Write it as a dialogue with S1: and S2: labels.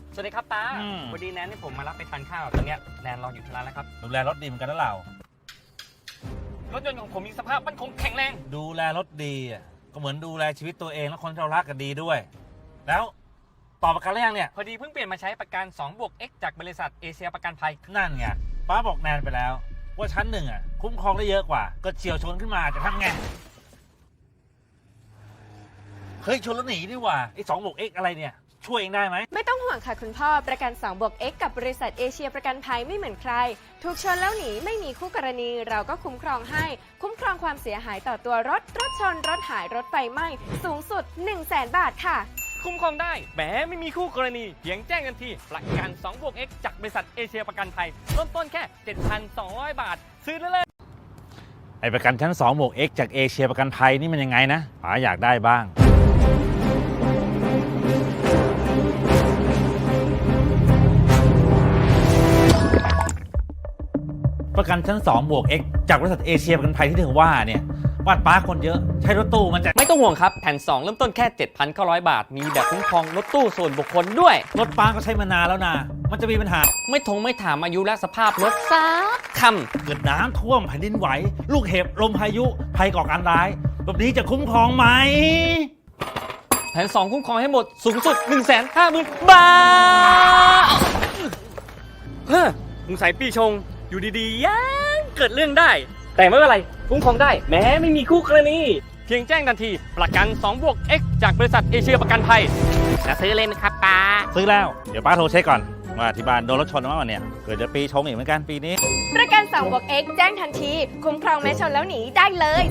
S1: สวัสดีครับป้าพอดีแนนที่ผมมารับไปทานข้าวตอนเนี้ยแนนรออยู่ที่ร้านแล้วครับ
S2: ดูแลรถดีเหมือนกันนะเรา
S1: รถยนต์ของผมมีสภาพมั่นคงแข็งแรง
S2: ดูแลรถดีก็เหมือนดูแลชีวิตตัวเองและคนที่เรารักกันดีด้วยแล้วต่อประกันหรือยังเนี่ย
S1: พอดีเพิ่งเปลี่ยนมาใช้ประกัน 2+X จากบริษัทเอเชียประกันภัย
S2: นั่นไงป้าบอกแนนไปแล้วว่าชั้นหนึ่งคุ้มครองได้เยอะกว่าก็เฉียวชนขึ้นมาจะทำไงเฮ้ยชนแล้วหนีนี่หว่าไอ้2+X อะไรเนี่ยช่วยเองได้ไหม
S3: ไม่ต้องห่วงค่ะคุณพ่อประกัน 2+X กับบริษัทเอเชียประกันภัยไม่เหมือนใครถูกชนแล้วหนีไม่มีคู่กรณีเราก็คุ้มครองให้คุ้มครองความเสียหายต่อตัวรถชนรถหายรถไฟไหม้สูงสุด 100,000 บาทค่ะ
S1: คุ้มครองได้แหมไม่มีคู่กรณีเพียงแจ้งกันทีประกัน 2+X จากบริษัทเอเชียประกันภัยเริ่มต้นแค่ 7,200 บาทซื้อได้เลย
S2: ไอ้ประกันชั้น 2+X จากเอเชียประกันภัยนี่มันยังไงนะป๋าอยากได้บ้างประกันชั้น 2+X จากบริษัทเอเชียประกันภัยที่ถึงว่าเนี่ยบ้านป้าคนเยอะใช้รถตู้มันจะ
S1: ไม่ต้องห่วงครับแผ่น2เริ่มต้นแค่ 7,900 บาทมีแบบคุ้มครองรถตู้ส่วนบุคคลด้วย
S2: รถป้าก็ใช้มานานแล้วนะมันจะมีปัญหา
S1: ไม่ถามอายุและสภาพรถสักค
S2: ำเกิดน้ำท่วมแผ่นดินไหวลูกเห็บลมพายุภัยก่อการร้ายแบบนี้จะคุ้มครองไหม
S1: แผ่น2คุ้มครองให้หมดสูงสุด 150,000 บาทเฮ้อสงสัยปีชงอยู่ดีๆยังเกิดเรื่องได้แต่ไม่เป็นไรคุ้มครองได้แม้ไม่มีคู่กรณีเพียงแจ้งทันทีประกัน 2+X จากบริษัทเอเชียประกันภัยจะซื้อเลยไหมครับป้า
S2: ซื้อแล้วเดี๋ยวป้าโทรเช็คก่อนว่าที่บ้านโดนรถชนมาเนี่ยเกิดจะปีชงอีกเหมือนกันปีนี้
S3: ประกัน 2+X แจ้งทันทีคุ้มครองแม้ชนแล้วหนีได้เลย